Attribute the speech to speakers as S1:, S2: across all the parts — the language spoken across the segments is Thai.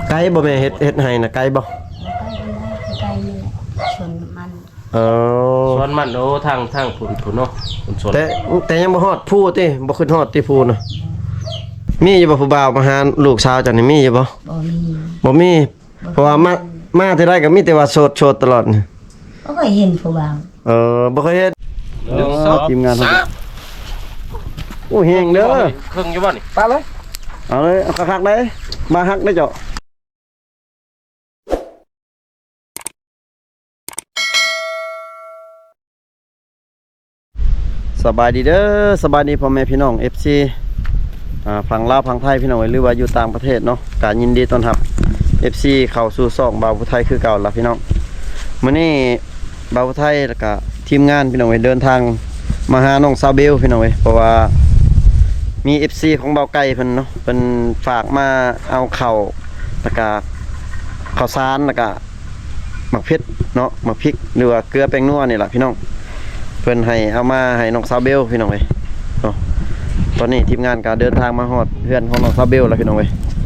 S1: ไกลบ่แม่เฮ็ดให้น่ะไกลบ่
S2: ไกลนี่แหละชนมัน
S3: ส่วนมันโอ้ทางพุ่นเนาะพุ่นสน
S1: แต่ยังบ่ฮอดผู้ติบ่ขึ้นฮอดติผู้น่ะมีอยู่บ่ผู้บ่าวมาหาลูกสาวจังนี่มีอยู่บ่บ่มีเพราะว่ามาเท่าไรก็มีแต่ว่าโสดตลอดนี่
S2: บ่เคยเห็นผู้บ่าว
S1: บ่เคยเห็นทีมงานเฮาโอ้แฮงเด้อ
S3: เครื่องอยู่บ่นี่
S1: ปาเลยเอาเลยเอาคักๆได้มาฮักได้เจ้าสบายดีเด้อสบายดีพ่อแม่พี่น้อง FC ฝั่งลาวฝั่งไทยพี่น้องหรือว่าอยู่ต่างประเทศเนาะก็ยินดีต้อนรับ FC เข้าสู่ช่องบ่าวผู้ไทยคือเก่าล่ะพี่น้องมื้อนี้บ่าวผู้ไทยแล้วก็ทีมงานพี่น้องเดินทางมาหาน้องซาเบลพี่น้องเพราะว่ามี FC ของบ่าวไก่เพิ่นเนาะเพิ่นฝากมาเอาข้าวแล้วก็ข้าวสารแล้วก็หมักเผ็ดเนาะหมักพริกหรือว่าเกลือแป้งนัวนี่ล่ะพี่น้องเพิ่นให้เอามาให้น้องซาเบลพี่น้องเนาะตอนนี้ทีมงานก็เดินทางมาฮอดเพื่อนของน้องซาเบลแล้วพี่น้อง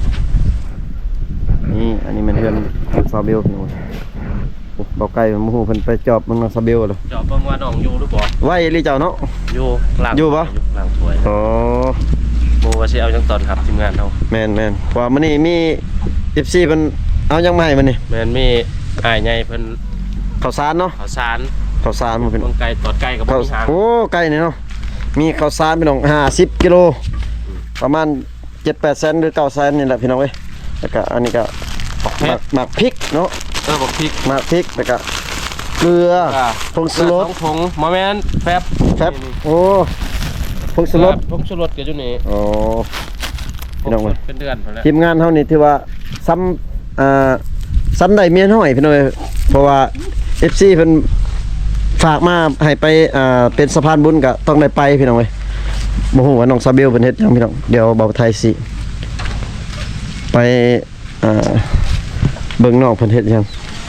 S1: นี่อันนี้มันเพื่อนของซาเบลพี่น้องโอ้บ่าวไก่มันฮู้เพิ่นไปจอบน้องซาเบลแล้ว
S3: จอบเบิ่งว่าน้องอยู่หรือบ่
S1: ไว้ลิเจ้าเนาะ
S3: อยู่หลัง
S1: อยู่บ่
S3: หลังสวย
S1: อ๋อ
S3: บ่ว่าสิเอาจังตอนครับทีมงานเฮา
S1: แม่นๆว่ามื้อนี้มี FC เพิ่นเอาจังมาให้มื้อนี้
S3: แม่นมีอ้ายใหญ่เพิ่น
S1: ข้าวสารเนาะ
S3: ข้าวสาร
S1: มันเป็น
S3: ไก่ตอดไก่กับบ่มีหาง
S1: โอ้ไก่นี่เนาะมีข้าวสารพี่น้อง50กิโลประมาณ 7-8 แสนหรือ9แสนนี่แหละพี่น้องเอ้ยแล้วก็อันนี้ก็หมักพริกเนาะ
S3: บักพริก
S1: หมักพริกแล้วก็เกลือผงชูรส
S3: ผงบ่แม่นแฟบ
S1: โอ้ผงชูรส
S3: ก็อยู่นี่
S1: โอ้พี่น้องเอ้ย
S3: เป็นเดือนพุ่นแหละ
S1: ทีมงานเฮานี่ถือว่าซ้ำได้เมียน้อยพี่น้องเอ้ยเพราะว่า FC เพิ่นฝากมาให้ไปเป็นสะพานบุญก็ต้องได้ไปพี่น้องเอ้ยบ่ฮู้ว่าน้องซาเบลเพิ่นเฮ็ดจังพี่น้องเดี๋ยวบ่าวไทยสิไปเบิ่งน้องเพิ่นเฮ็ดจัง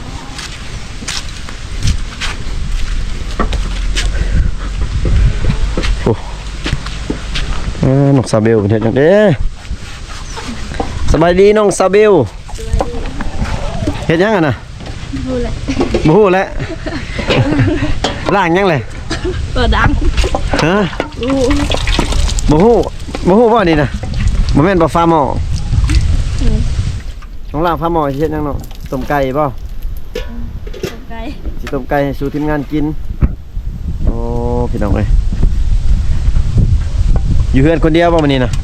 S1: โอ้น้องซาเบลเพิ่นเฮ็ดจังเด้สบายดีน้องซาเบลเฮ็ดจังอ่ะนะบ่ฮู้แหละล่างยังเลย
S2: เปิดดัง
S1: ฮะบ่ฮู้บ่นี่นะบ่แม่นบ่ฟาร์มอต้องล่างฟาร์มอเฮ็ดจังเนาะต้มไก่บ่
S2: ต้มไก่
S1: สิต้มไก่ให้สู่ทีมงานกินโอ้พี่น้องเอ้ยอยู่เฮือนคนเดียวบ่มื้อนี้นะ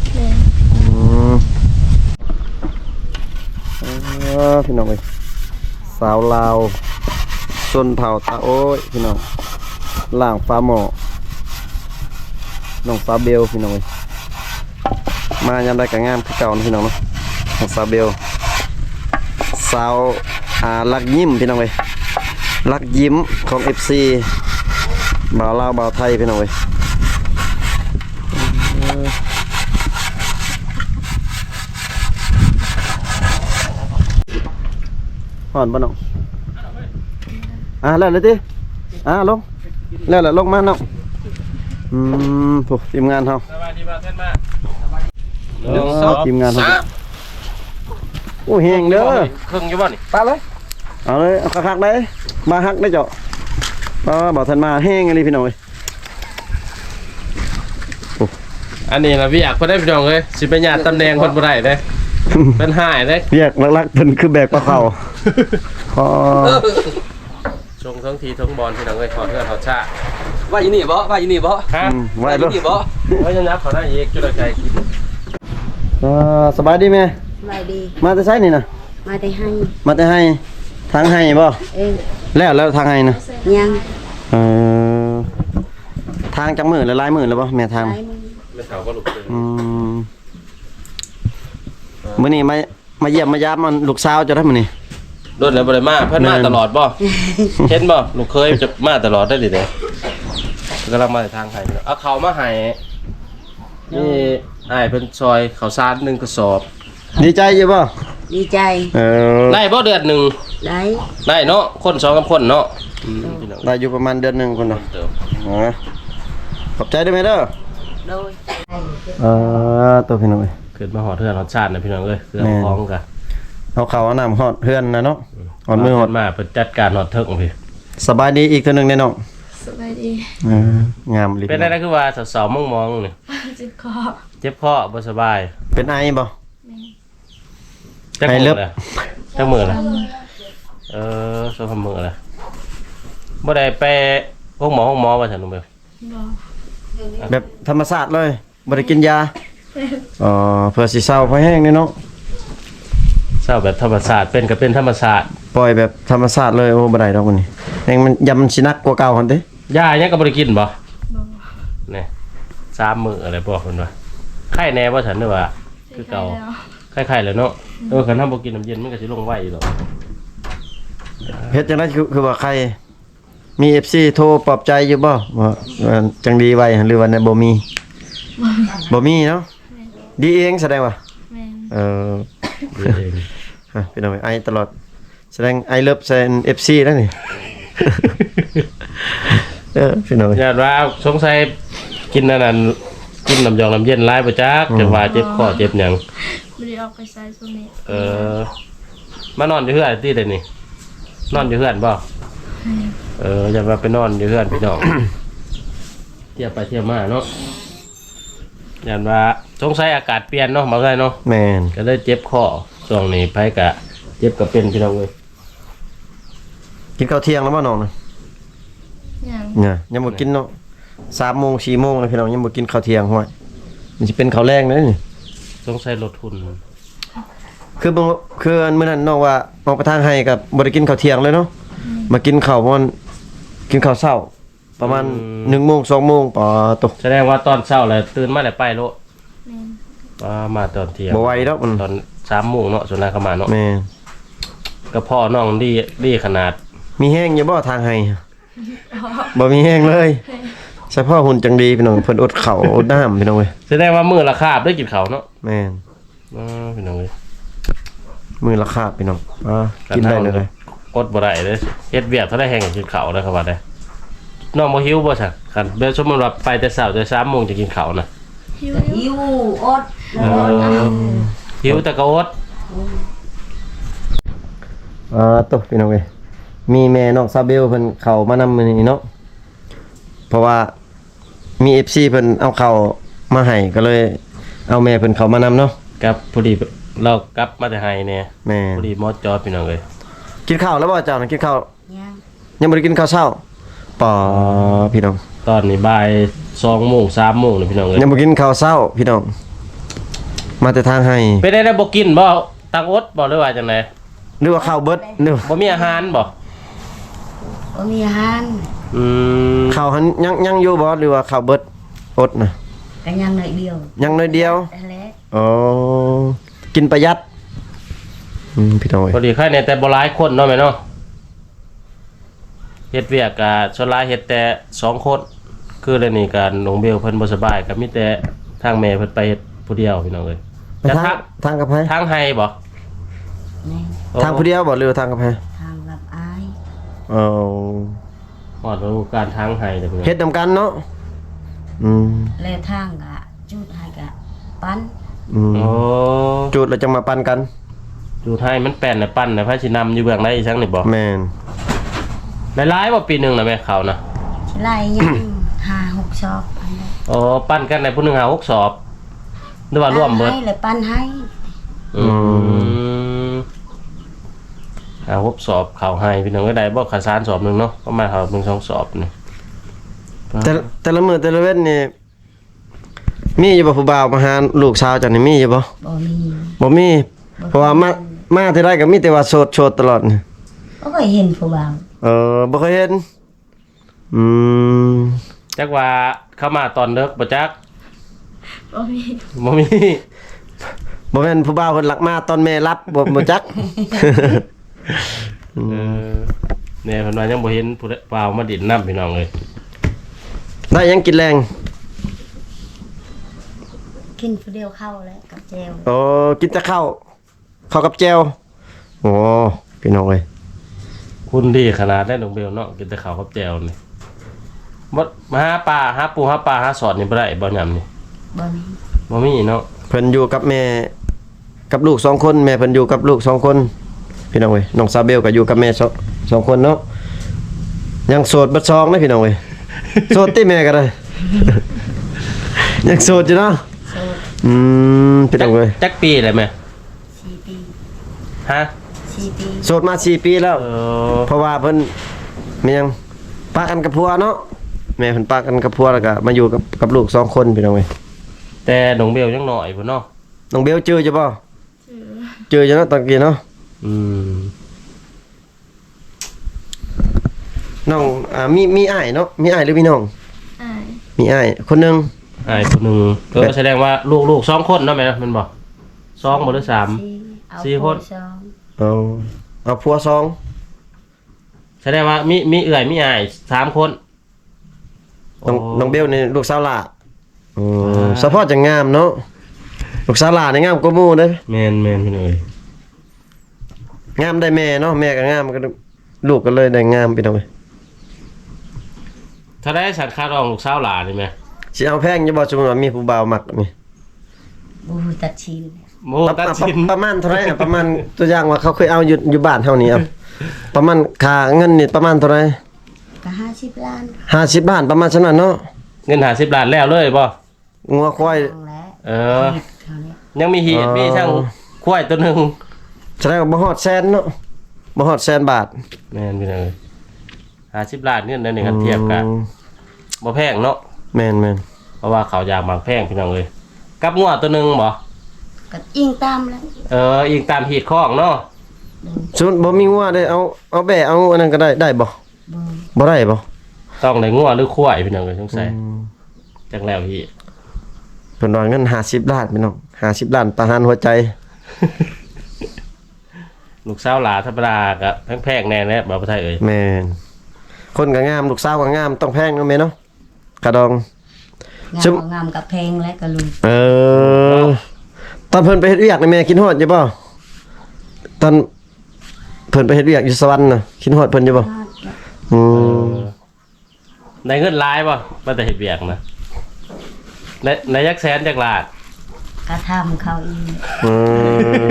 S1: พี่น้องเอ้ยสาวลาวชนเผ่าตาโอ้ยพี่น้องล่างฟ้าหมอน้องซาเบลพี่น้องมายามใดก็งามคือเก่านะพี่น้องเนาะน้องซาเบลสาวลักยิ้มพี่น้องลักยิ้มของ FC บ่าวลาวบ่าวไทยพี่น้องห่อนบ่น้องแล้วเลยติลงแล้วลงมาน้องพวกทีมงานเฮา
S3: สบายดีบ่เพิ่นมา
S1: ทีมงานเฮาโอ้แฮงเด้อ
S3: เครื่องอยู่บ่นี่
S1: ปาเลยเอาเลยเอาคักๆได้มาฮักได้เจ้าบ่ทันมาแฮงอีหลีพี่น้องเอ้ย
S3: อันนี้ล่ะพี่อยากเพิ่นได้พี่น้องเอ้ยสิไปญาติตำแหน่งเพิ่นบ่ได้เด้เป็นหายเด้
S1: เรียกลักๆเพิ่นคือแบกปลาเข่า
S3: ชงทั้งทีทั้งบอลพี่น้องเอ้ยขอเทื่อขอชา
S4: ว่าอยู่นี่บ่ฮะว่าอยู่นี่บ่
S3: ว่าจะนับเขาได้อีกจุดใจกิน
S1: สบายดีไหม
S2: สบายดี
S1: มาแต่ไสนี่นะ
S2: มาแต่ให้
S1: ทางให้บ่แล้วทางให้นะ
S2: ยัง
S1: ทางจังมื้อหลายมื้อแล้วบ่แม่ทาง
S3: ไม่เฒ่าก็ลูก
S1: มื้อนี้มาเยี่ยมมายามมันลูกสาวจะได้มื้อนี้
S3: โดนแล้วบ่ได้มาเพิ่นมาตลอดบ่เห็นบ่ลูกเคยจะมาตลอดได้ดิเด้กำลังมาทางให้เอาข้าวมาให้นี่อ้ายเพิ่นซอยข้าวสาร1กระสอบ
S1: ดีใจอยู่บ่
S2: ดีใจ
S3: ได้บ่เดือนนึงได้เนาะคน2-3คนเนาะ
S1: ได้อยู่ประมาณเดือนนึงคนเนาะขอบใจด้วยมั้ยเด้อโดยตัวพี่น้องเอ้ย
S3: เกิดมาหอเทือนรสชาตินะพี่น้องเอ้ยเครื่องพ้องกัน
S1: เอาข้าวเอาน้ำฮอดเฮือนนะเนาะฮอดมือฮอด
S3: มาเพิ่นจัดการฮอดเทิงพี่
S1: สบายดีอีกเทื่อนึงแน่น้อง
S2: สบายดี
S1: งามลิ
S3: เป็นได้คือว่าสาวๆมองๆนี่
S2: จิบคอ
S3: เจ็บคอบ่สบาย
S1: เป็นไอบ่
S3: จัก
S1: ไอ
S3: มื้
S1: เลิ
S3: อ
S1: ฟ
S3: ละจักมื้อละสองสามมื้อละบ่ได้ไปห้องหมอว่าซั่นน้องเบล
S2: บอ
S1: แบบธรรมชาติเลยบ่ได้กินยาเพื่อสิเศร้าเพราะแห้งนี่เนาะ
S3: เศร้าแบบธรรมชาติเป็นก็เป็นธรรมชาติ
S1: ปล่อยแบบธรรมชาติเลยโอ้บ่ได้ดอกมื้อนี้แฮงมันยำมันสิหนักกว่าเก่าหั่นเด้
S3: ยายังก็บ่ได้กินบ่
S2: บอ
S3: นี่3มื้ออะไรบอกเพิ่นว่าไข้แน่บ่ซั่นเด้อว่าคือเก่า ไข้ๆแล้วเนาะคันทำบ่กินน้ำเย็นมันก็สิลงไวอยู่ดอก
S1: เฮ็ดจังได๋คือว่าใครมี FC โทรปลอบใจอยู่บ่ว่าจังดีไว้หรือว่าบ่มีบ่มีเนาะดีเองแสดงว่า
S2: แม่น
S3: ดีเอง
S1: ฮะพี่น้องไอตลอดแสดงไอเลิฟแซน FC แล้วนี่ พี่น้อง
S3: ญาติว่าสงสัยกินอันนั้นกินน้ำยองน้ำเย็นหลายบ่จักจังว่าเจ็บคอเจ็บหยัง
S2: ไม่ได้ออกไปใส่ช่วงนี้
S3: มานอนอยู่เฮือนติเด้นี่นอนอยู่เฮือนบ่อย่าว่าไปนอนอยู่เฮือนพี่น้อง เที่ยวไปเที่ยวมาเนาะญาติว่าสงสัยอากาศเปลี่ยนเนาะบ่ได้เนาะ
S1: แม่น
S3: ก็เลยเจ็บคอช่วงนี้ไผก็เจ็บก็เป็นพี่น้องเอ้ย
S1: กินข้าวเที่ยงแล้วบ่น้องนะ
S2: ยัง
S1: เนี่ยยังบ่กินเนาะ3 โมง 4 โมงเลยพี่น้องยังบ่กินข้าวเที่ยงห้วยมันสิเป็นข้าวแรงเด้อนี่
S3: สงสัยลดทุน
S1: คือบ่คืออันมื้อนั้นน้องว่าออกไปทางให้กับบ่ได้กินข้าวเที่ยงเลยเนาะมากินข้าวประมาณกินข้าวเช้าประมาณ1 โมง 2 โมงปอตก
S3: แสดงว่าตอนเช้าแล้วตื่นมาแล้วไปโลด
S2: แม่น
S3: มาตอนเที่ยง
S1: บ่ไหวดอกมัน
S3: ตอน3 โมงเนาะส่วนนายเข้ามาเนาะ
S1: แม่
S3: กระเพาะน้องดีขนาด
S1: มีแห้งอยู่บ่ทางให้บ่มีแห้งเลยเฉพาะหุ่นจังดีพี่น้องเพิ่นอดข้าวอดน้ำพี่น้องเว้ย
S3: แสดงว่ามื้อละคาบได้กินข้าวเนาะ
S1: แม่น
S3: พี่น้องเอ้ย
S1: มื้อละคาบพี่น้องกินได้เลย
S3: กดบ่ได้เด้เฮ็ดเวียกเท่าได้แฮงกินข้าวได้ครับว่าได้น้องบ่หิวบ่ซะคันเบลสมมุติว่าไปแต่เช้าแต่3 โมงจะกินข้าวนะ
S2: หิว
S5: หิวอด
S3: หิวแต่ก็อด
S1: ตกพี่น้องเอ้ยมีแม่น้องซาเบลเพิ่นเข้ามานำมื้อนี้เนาะเพราะว่ามี FC เพิ่นเอาเข้าวมาให้ก็เลยเอาแม่เพิ่นเข้ามานำเนาะ
S3: กับพอดีเรากลับมาแต่ไห้เนี่ย
S1: แม่
S3: พอดีมอจอพี่น้องเอ้ย
S1: กินข้าวแล้วบ่เจ้าน่ะกินข้าว
S5: ยัง
S1: ยังบ่ได้กินข้าวเช้าปอพี่น้อง
S3: ตอนนี้บ่าย2 โมง3 โมงนี่พี่น้องเอ้ย
S1: ยังบ่กินข้าวเช้าพี่น้องมาแต่ทางให้
S3: ไปได้บ่กินบ่ตังอดบ่หรือว่าจังได๋
S1: หรือว่าข้าวเบิดหรือ
S3: บ่มีอาหารบ่
S5: บ่มีอาหาร
S3: อืม
S1: ข้าวหันยังอยู่บ่หรือว่าข้าวเบิดอดน่ะ
S5: กันยังหน่อยเดียว
S1: ยังน้อยเดียว
S5: นั่นแหละ
S1: อ๋อกินประหยัดพี่น้องเอ้ย
S3: พอดีใครเนี่ยแต่บ่หลายคนเนาะแม่เนาะเฮ็ดเวียกก็ส่วนหลายเฮ็ดแต่2 คนคือเรื่องนี้การน้องเบลเพิ่นบ่สบายก็มีแต่ทางแม่เพิ่นไปเฮ็ดผู้เดียวพี่น้องเอ้ย
S1: ไปทางกับไผ
S3: ทางให้บ่
S5: นี่
S1: ทางผู้เดียวบ่หรือว่าทางกับไผ
S5: ทางกับอาย
S1: อ๋อ
S3: ฮอดฤดูการทางให้เด้อพี่น้อง
S1: เฮ็ดนำกันเนาะอืม
S5: และทางกะจุดให้กะปั้น
S3: โอ้
S1: จุดแล้วจะมาปันกัน
S3: อยู่ไทยมันแป้นน่ะปั้นน่ะพระสินำอยู่เบื้องใดอีสังนี่บ่
S1: แม่น
S3: หลายๆบ่ปีหนึงน่ะแม่เขานะ
S5: สิไล่ยัง5-6ชอบอันนั้น
S3: อ๋อปั้นกันในผู้หนึงหา6สอบหรือว่าร่วมเบิด
S5: ให้และปั้นให้
S3: หา6สอบเขาให้พี่น้องก็ได้บ่ขาสารสอบหนึงเนาะประมาณเขา1 2สอบนี่
S1: แต่ละมื้อแต่ละเว้นนี่มีอยู่บ่ผู้บ่าวมาหาลูกสาวจังนี่มีอยู่บ่
S5: บ่มี
S1: บ่มีเพราะว่ามาที่ไรก็มีแต่ว่าโสดตลอดนี่
S5: บ่เคยเห็นผู้บ่าว
S1: บ่เคยเห็นอืม
S3: จักว่าเข้ามาตอนเลิกบ่จัก
S2: บ่มี
S3: บ่มี
S1: บ่แม่นผู้บ่าวเพิ่นลักมาตอนแม่รับบ่จัก
S3: เนี่ยเพิ่นว่ายังบ่เห็นผู้ใดเปล่าวมาดินน้ำพี่น้องเลย
S1: ได้ยังกินแรง
S5: กินผู้เดียวเข้าแล้วกับแจว
S1: กินแต่ข้าวกับแจ่วโอ้พี่น้องเอ้ย
S3: คุณดีขนาดได้น้องเบลเนาะกินแต่ข้าวกับแจ่วนี่บ่มาหาปลาหาปูหาปลาหาสอดนี่บ่ได้บ่ยำนี่
S5: บ่มี
S3: บ่มีเนาะ
S1: เพิ่นอยู่กับแม่กับลูก2คนแม่เพิ่นอยู่กับลูก2คนพี่น้องเว้ยน้องซาเบลก็อยู่กับแม่สองคนเนาะยังโสดเบัดซองนะพี่น้องเว้ยโสดติแม่ก็ได้ ยังโสดอยู่เนาะ
S5: โสด
S1: พี่น้องเว้ย
S3: จักปีเลยแม่
S5: 4 ปี
S3: ฮะ
S5: 4 ปี
S1: โสดมา4 ปีแล้ว เพราะว่าเพิ่นมียังปากันกับผัวเนาะแม่เพิ่นปากันกับผัวแล้วก็มาอยู่กับลูก2คนพี่น้องเว้ย
S3: แต่น้องเบลยังหน่อยพุ่นเนาะ
S1: น้องเบลเจออยู่บ่
S2: ชื่อ
S1: เจออยู่เนาะตะกี้เนาะ
S3: อืม
S1: น้องมีอ้ายเนาะมีอ้ายหรือมีน้อง
S2: อาย
S1: มีอ้ายคนหนึง
S3: อ้ายคนหนึงแสดงว่าลูก2คนเนาะแม่มันบ่2บ่หรือ3 4 คน
S1: เอาผัวซอง
S3: แสดงว่ามีเอื้อยมีอ้าย3คน
S1: น้องเบลนี่ลูกสาวหล่าสะพอจะงามเนาะลูกสาวหล่านี่งามกว่าหมู่เด้อ
S3: แม่นพี่น้องเอ้ย
S1: งามได้แม่เนาะแม่ก็งามก็ลูกก็เลยได้งามพี่น้องเอ้ย
S3: ถ้าได้สันค่ารองลูกสาวหลานนี่แม่
S1: สิเอาแพงอยู่บ่สมมุติว่ามีผู้บ่าวมักนี่
S5: บูตัดชิน
S3: โมตัดสิน
S1: ประมาณเท่าไหร่ประมาณตัวอย่างว่าเขาเคยเอาอยู่บ้านเฮานี่เอาประมาณค่าเงินนี่ประมาณเท่าไหร่
S5: ก็50 ล้าน
S1: 50บาทประมาณฉะนั้นเนาะ
S3: เงิน50 ล้านแล้วเลยบ่
S1: งัวควาย
S5: ฟังแล้ว
S3: เออ
S5: คราวนี้
S3: ยังมีหีดมีทั้งควายตัวหนึง
S1: แสดงว่าบ่ฮอดแสนเนาะบ่ฮอดแสนบาท
S3: แม่นพี่น้องเอ้ย50 ล้านเงินนั่นนี่กันเทียบกันบ่แพงเนาะ
S1: แม่น
S3: เพราะว่าเขาอยากบางแพงพี่น้องเอ้ยกับงัวตัวหนึงบ่
S5: ก็อิงตามแล้ว
S3: อีกตามหีดข้องเนาะ
S1: สมมุติบ่มีงัวได้เอาแบะเอาอันนั้นก็ได้บ่
S5: บ่
S1: บ่ได้บ่
S3: ต้องได้งัวหรือควายพี่น้องเอ้ยสงสัยจังแล้วพี่
S1: เพิ่นว่าเงิน50ล้านพี่น้อง50ล้านประหารหัวใจ
S3: ลูกสาวหลานธรรมดาก็แพงๆแน่แน่บ่าวไทยเอ้ย
S1: แม่นคนก็งามลูกสาวก็งามต้องแพงเนาะแม่เนาะกระดอง
S5: งาม
S1: ซึ่ง
S5: เอางามกับเพลงและก็ลุง
S1: ตอนเพิ่นไปเฮ็ดเวียกนี่แม่คิดฮอดอยู่บ่ตอนเพิ่นไปเฮ็ดเวียกอยู่สวรรค์น่ะคิดฮอดเพิ่นอยู่บ่อืม
S3: ได้เงินหลายบ่มาแต่เฮ็ดเวียกนะในยักแสนจักล้าน
S5: ก็ทำเขาอีก
S1: อืม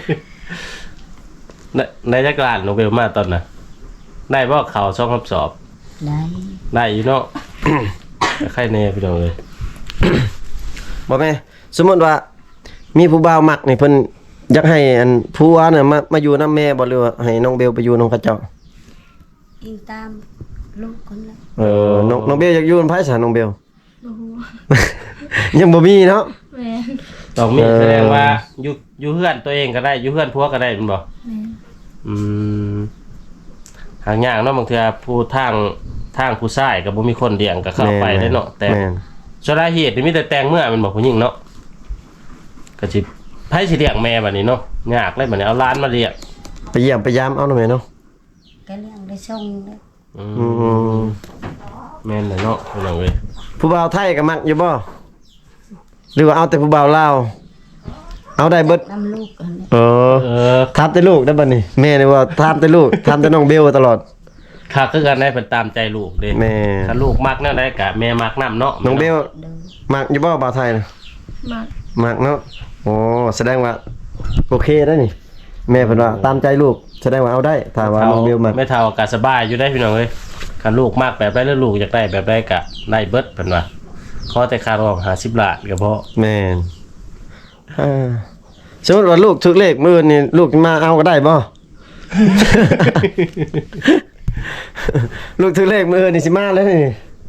S3: ในจักรานน้องเบลมาตอนน่ะได้บ่เขาช่องรับสอบ
S5: ได้
S3: ได้อยู่เนาะ แต่ใครแน่พี่น้องเอ้ย
S1: บ่แม่สมมุติว่ามีผู้บ่าวมักนี่เพิ่นอยากให้อันผัวน่ะมาอยู่นำแม่บ่หรือว่าให้น้องเบลไปอยู่นำเขาเจ้า
S5: อิงตามลูกคนละ
S1: น้องเบลอยากอยู่นำไผซะน้องเบล
S2: โอ้โห
S1: ยังบ่มีเนาะ
S2: แม่น
S3: ต้องมีแสดงว่าอยู่เฮือนตัวเองก็ได้อยู่เฮือนผัวก็ได้แม่นบ่
S2: แม่น
S3: อืมหางยากเนาะบางเทื่อผู้ทางผู้ชายก็บ่มีคนเลี้ยงก็เข้าไปได้เนาะแต่
S1: แม่น
S3: สาเหตุนี่มีแต่แต่งเมื่อมันบอกผู้หญิงเนาะก็สิไผสิเลี้ยงแม่บัดนี้เนาะยากเลยบัดนี้เอาหลานมาเลี้ยง
S1: ไปเยี่ยมไปยามเอาเนาะแม่เนาะ
S5: ก็เลี้ยงได้ส่งเลย
S3: อื
S1: อื
S3: ม
S1: ม
S3: แม่นเลยเนาะพี่น้องเอ้ย
S1: ผู้บ่าวไทยก็มักอยู่บ่หรือว่าเอาแต่ผู้บ่าวลาวเอาได้เบิด
S5: น้ำลูกอันนี้
S3: เออ
S1: ถามแต่ลูกได้อบัดนี้แม่นี่ว่าถามแต่ลูกถามแต่น้องเบลตลอด
S3: ค่ะคือกันได้เพิ่นตามใจลูกเด้
S1: แม่
S3: ถ้าลูกมักแนวใดก็แม่มักนํเนาะ
S1: น้องเบล
S5: เดิน
S1: มักอยู่บ่บ่าวไทยน่ะ
S2: มัก
S1: มักเนาะโอ้แสดงว่าโอเคได้นี่แม่เพิ่นว่าตามใจลูกแสดงว่าเอาได้ถ้าว่าน้องเบลมัก
S3: ไม่เท่าก็สบายอยู่ได้พี่น้องเอ้ยคันลูกมักแบบใดแล้วลูกอยากได้แบบใดก็ได้เบิดเพิ่นว่าขอแต่ค่ารอง50 ล้านก็พอ
S1: แม่นสมมุติว่าลูกถูกเลขมื้อนี่ลูกมาเอาก็ได้บ่ ลูกถูกเลขมื้อนี่สิมาเลยนี่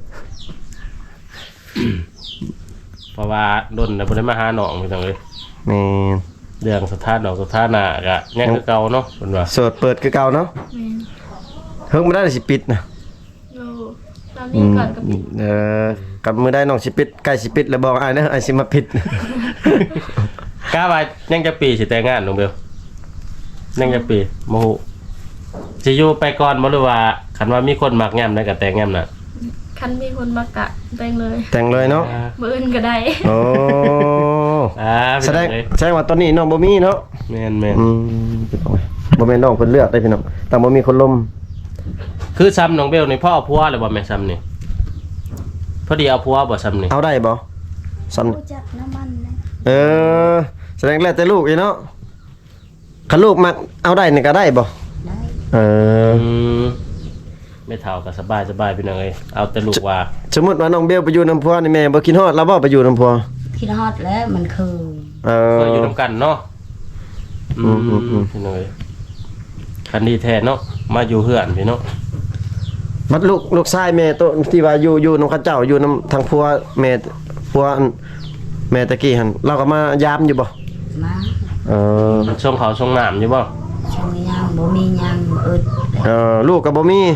S3: เพราะว่าดนน่ะบ่ได้มาหาน้องพี่น้องเอ้ย
S1: แม่น
S3: เรื่องสถานะก็ยังคือเก่าเนาะเพิ่นว่า
S1: โสดเปิดคือเก่าเนาะ
S2: แม่น
S1: เฮิงบ่ได้สิปิดนะ
S2: โอ้ตอนนี้ก่อนกับปิด
S1: กับมื้อได้น้องสิปิดใกล้สิปิดแล้วบอกอ้ายเด้ออ้ายสิมาปิด
S3: กล้าว่ายังจะปีสิแต่งงานน้องเบลยังจะปีบ่ฮู้สิอยู่ไปก่อนบ่หรือว่าคันว่ามีคนมักแง้มได้ก็แต่งแง้มน่ะ
S2: คันมีคนมากะแต่งเลย
S1: แต่งเลยเนาะ
S2: เบิ่นก็ได้
S1: โอ้
S3: พี่
S1: แสดง
S3: น้องเอ้ย
S1: แสดงว่าตอนนี้น้องบ่มีเนาะ
S3: แม่น
S1: พี่น้องบ่แม่นน้องเพิ่นเลือกได้พี่น้องแต่บ่มีคนลม
S3: ๆคือซ้ำน้องเบลนี่พ่อเอาผัวหรือบ่แม่นซ้ำนี่พอดีเอาผัวบ่ซ้ำนี่
S1: เอาได้บ่ซ้ำ
S5: รู้จักน้ำมันนะ
S1: แสดงแล้วแต่ลูกอีเนาะคันลูกมักเอาได้นี่ก็ได้บ่
S5: ได้
S1: เออ
S3: ไม่เท่ากับสบายพี่น้องเอ้ยเอาแต่ลูกว่า
S1: สมมุติว่าน้องเบลไปอยู่น้ำพัวนี่แม่บ่คิดฮอดแล้วบ่ไปอยู่น้ำพัว
S5: คิดฮอดแล้วมันคือ
S1: เอ
S3: เค
S1: อย
S3: อยู่นํกันเนาะ
S1: อืม
S3: พี่น้องเอ้ยคันดีแท้เนาะมาอยู่เฮือนพี่เนาะ
S1: บัดลูกชายแม่โตที่ว่าอยู่นำเขาเจ้าอยู่นำทางพัวแม่พัวอันแม่ตะกี้หั่นเราก็มายามอยู่บ่
S5: มา
S1: เออ
S3: ช่องเขาช่องน้ำอยู่บ่
S5: ช่วงยังบ่มียังอึด
S1: ลูกก็บ่มี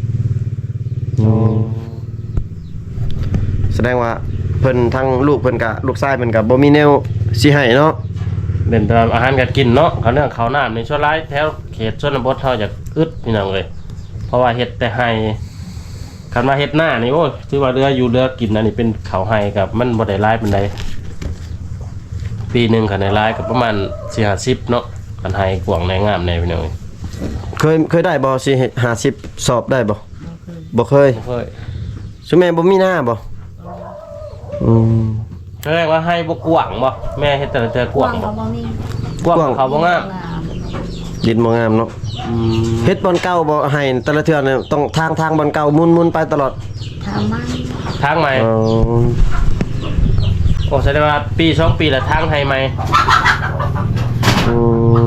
S1: แสดงว่าเพิ่นทั้งลูกเพิ่นก็ลูกชายเพิ่นก็บ่มีแนวสิให้เนาะ
S3: เด่นแต่อาหารการกินเนาะเขาเรื่องเขาวน้ำในช่วงร้ายแถวเขตชนบทเฮาจะอึดพี่น้องเลยเพราะว่าเฮ็ดแต่ให้คันว่าเฮ็ดหน้านี่โอ้ยถือว่าเรืออยู่เรือกินอันนี้เป็นเขาวให้กับมันบ่ได้หลายปานใดปีหนึงคันได้หลายก็ประมาณ4-50เนาะคันให้กว้างในงามในพี่น้องเอ้ย
S1: เคยได้บ่สิ50สอบได้บ่บ่เคย
S3: บ่เคย
S1: ซุแม่บ่มีหน้าบ่อืม
S3: แสดงว่าให้บ่กว้างบ่แม่เฮ็ดแต่ละเทื่อกว้างบ่
S5: บ่มี
S3: กว้างเขาบ่งาม
S1: ดินบ่งามเนาะ เฮ็ดบอลเก่าบ่ให้แต่ละเทื่อเนี่ยต้องทางบอลเก่าหมุนไปตลอด
S5: ทางมัน
S3: ทางใหม่
S1: อ๋อ
S3: โอ้แสดงว่าปี2ปีละทางให้ใหม่
S1: อืม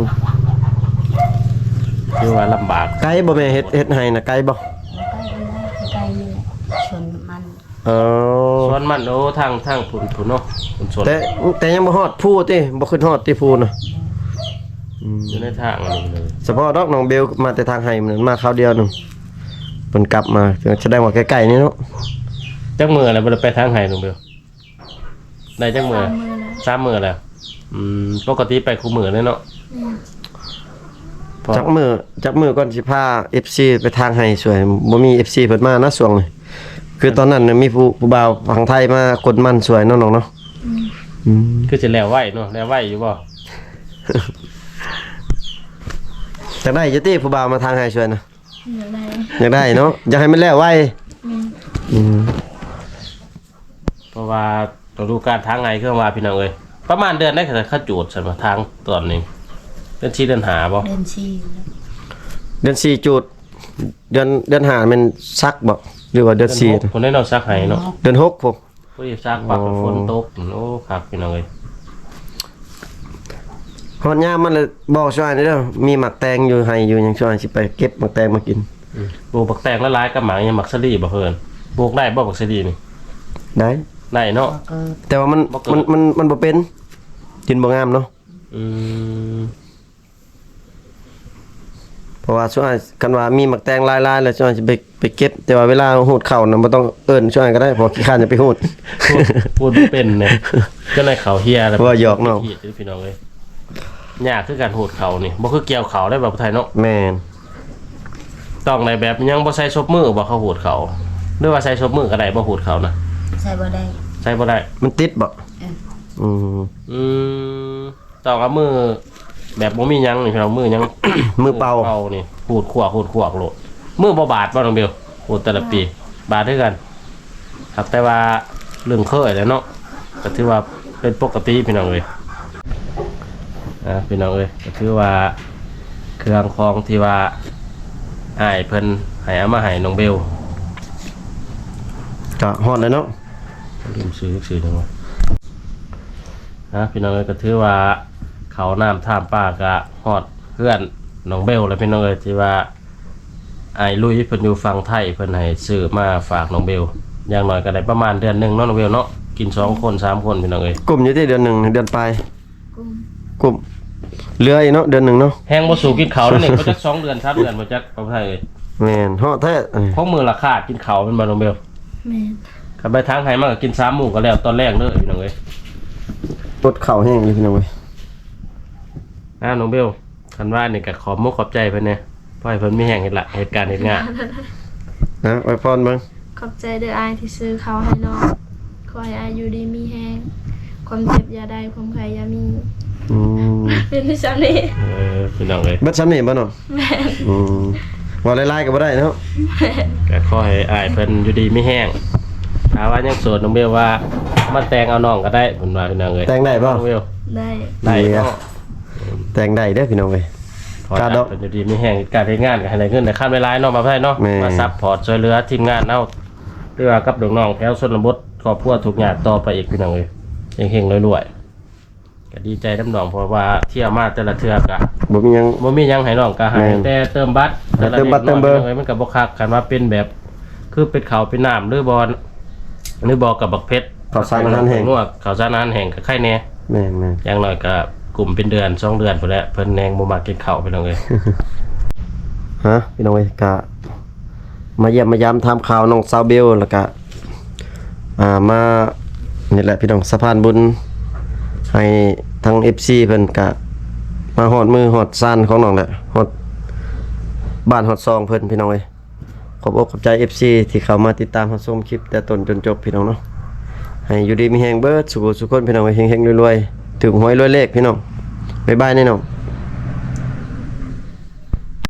S3: คือว่าลำบาก
S1: ไกลบ่แม่เฮ็ดให้น่ะไกลบ่
S5: ใกล้นี่แหละชนมัน
S1: อ๋อ
S3: ส่วนมันโอ้ทางผุนเนาะผุนสน
S1: แต่ยังบ่ฮอดภูติบ่ขึ้นฮอดที่ภูน่ะอืม
S3: อยู่ในทางอันนี้เลย
S1: เฉพาะดอกน้องเบลมาแต่ทางไห้มันมาคราวเดียวหนึงเพิ่นกลับมาแสดงว่าใกล้ๆนี่เนาะ
S3: จักมืออะไรบ่ได้ไปทางไห้ลุงเบลได้จักมือ
S2: 3 มื้อแล้ว
S3: 3 มื้อแล้วปกติไปคู่มือเลยเนาะ พอ
S1: จักมือก่อนสิพา FC ไปทางไห้สวยบ่มี FC เพิ่นมานะช่วงนี้คือตอนนั้นน่ะมีผู้บ่าวฝั่งไทยมากดมันสวยเนาะน้องเนาะอืม
S3: คือจะแล้วไหวเนาะแล้วไหวอยู่บ่
S1: จะได้จะตีผู้บ่าวมาทางไห้ช่วยนะ
S2: อยู่ใน
S1: อยากได้เนาะอยากให้มันแล้วไวอืม
S3: เพราะว่าต้องดูการทางไงเครื่องว่าพี่น้องเอ้ยประมาณเดือนได้ก็จะเข้าจูดซั่นว่าทางตอนนี้เดือน4เดือนหาบ่
S5: เดินชีแล้ว
S1: เดือน4จุดเดือน5มันซักบ่หรือว่าเดือน4
S3: คนได้นอนซักให้เนาะ
S1: เดือน6พวก
S3: ผู้ที่ซักปักฝนตกโอ้ครับพี่น้องเอ้ย
S1: ฮอดยามมันเลยบอกช่วยนี่เด้อมีหมักแตงอยู่ให้อยู่หยังช่วยสิไปเก็บหมักแตงมากิน
S3: ปลูกบักแตงละลายกับหมากยังหมักสลีบ่เพิ่นปลูกได้บ่บักสลีนี่
S1: ได้
S3: ได้เนาะ
S5: ก็
S1: แต่ว่ามัน
S3: บ่เกิด
S1: มันบ่เป็นกินบ่งามเนาะ
S3: อืม
S1: เพราะว่าช่วยกันว่ามีหมักแตงหลายๆแล้วช่วยสิไปเก็บ แต่ว่าเวลาหูดเข้าน่ะบ่ต้องเอิ้นช่วยก็ได้เพราะขี้ข้านจะไปหูด
S3: พูดบ่เป็นเนี่ยก็เลยเขาเฮียแล้ว
S1: ว่าหยอกน้อง
S3: พี่น้องเอ้ยยากคือการโหดเขานี่บ่คือเกี่ยวเขาได้แบบไทยเนาะ
S1: แม่น
S3: ต้องในแบบยังบ่ใส่ซบมือบ่เขาโหดเขาหรือว่าใส่ซบมือก็ได้บ่โหดเขานะ
S5: ใส่บ่ได้
S3: ใส่บ่ได้
S1: มันติดบ่
S5: เออ
S1: อืม
S3: อืมต้องเอามือแบบบ่มีหยังนี่พี่น้องมือหยัง
S1: มือเป่า
S3: นี่โหดขวากโหลดมือบ่บาดบ่น้องเบลโหดแต่ละปีบาดด้วยกันครับแต่ว่าเรื่องเคยแหล้วเนาะก็ถือว่าเป็นปกติพี่น้องเอ้ยพี่น้องเอ้ยก็ถือว่าเครื่องคองที่ว่าอ้ายเพิ่นให้เอามาให้น้องเบล
S1: ก็ฮอดเลยเนาะ
S3: ลืมซื้อจังวะพี่น้องเอ้ยก็ถือว่าเขาน้ำท่ามป้ากะฮอดเพื่อนน้องเบลแล้วพี่น้องเอ้ยที่ว่าไอ้ลุยเพิ่นอยู่ฝั่งไทยเพิ่นให้ซื้อมาฝากน้องเบลอย่างน้อยก็ได้ประมาณเดือนหนึงเนาะน้องเบลเนาะกิน2คน3คนพี่น้องเอ้ย
S1: กลุ่มอยู่ที่เดือนหนึงเดือนปลาย
S2: กุ้ม
S1: กลุ่มเหลืออีกเนาะเดือนหนึงเนาะ
S3: แห้งบ่สู่กินข้าวแล้วนี่บ่จัก2เดือน3เดือนบ่จักประเทศเอ้ย
S1: แม่นฮอดแท้เอ้ย
S3: พวกมือราคากินข้าวเป็นบ่น้องเบล
S2: แม่น
S3: คันไปทางไห้มันก็กิน3หมู่ก็แล้วตอนแรกเด้อพี่น้องเอ้ย
S1: รถเข้าแห้งอยู่พี่น้องเว้ย
S3: น้องเบลคันว่านี่ก็ขอบมุกขอบใจเพิ่นแน่เพราะให้เพิ่นมีแห่งเฮ็ดละเหตุการณ์เฮ็ดงาน
S1: นะไว้พรเบิ่ง
S2: ขอบใจเด้ออายที่ซื้อเขาวให้น้องขอให้อายอยู่ดีมีแฮงความเจ็บอย่าได้ความใครอย่ามี
S1: อืม
S2: เป็นที่ซ้ำนี้
S3: พี่น้องเอ้ย
S1: เบิดซ้ำนี่บ่เนาะอืมว่าหลายๆก็บ่ได้เนาะ
S3: ก็ขอให้อ้ายเพิ่นอยู่ดีมีแห้งถ้าว่ายังโสดน้องเบลว่ามาแต่งเอาน้องก็ได้เพิ่นว่าพี่น้องเอ้ย
S1: แต่งได้บ่
S3: น้องเบล
S2: ได้
S3: ได้เนาะ
S1: แต่งได้เด้อพี่น้องเว้ย
S3: ขอจัดเป็นอยู่ดีมีแห่งการเฮ็ดงานกับให้ได้เงินได้ค่าเวลาเนาะมาให้เนาะมาซัพพอร์ตช่วยเหลือทีมงานเฮาหรือว่ากับน้องๆแถวชนบทครอบครัวทุกอย่างต่อไปอีกพี่น้องเอ้ยเฮงๆรวยๆก็ดีใจน้ำน้องเพราะว่าเที่ยวมาแต่ละเทื่อก็
S1: บ่มีหยัง
S3: บ่มีหยังให้น้องก็ให้แต่เติมบัตร
S1: เติมบัตรเติมเบอร์
S3: มันก็บ่คักกันว่าเป็นแบบคือเป็นข้าวเป็นน้ำหรือบ่กับบักเพชร
S1: ข้าวสารอาหารแห้ง
S3: นวดข้าวสารอาหารแห้งก็ไข่แน่
S1: แม่น
S3: อย่างน้อยก็กลุ่มเป็นเดือน2เดือนพุ่นแหละเพิ่นแนงบ่มากินข้าวพี่น้องเอ้ย
S1: ๆฮะพี่น้องเอ้ยก็มาเยี่ยมมายามถามข่าวน้องสาวเบลแล้วก็มานี่แหละพี่น้องสะพานบุญให้ทั้ง FC เพิ่นก็มาฮอดมือฮอดซานของน้องแหละฮอดบ้านฮอดซองเพิ่นพี่น้องเอ้ยขอบอกขอบใจ FC ที่เข้ามาติดตามรับชมคลิปแต่ต้นจนจบพี่น้องเนาะให้อยู่ดีมีแฮงเบิดสุขสุขคนพี่น้องเอ้ยเฮงๆรวยๆถึงหวยรวยเลขพี่น้องบ๊ายบายแน่น้อง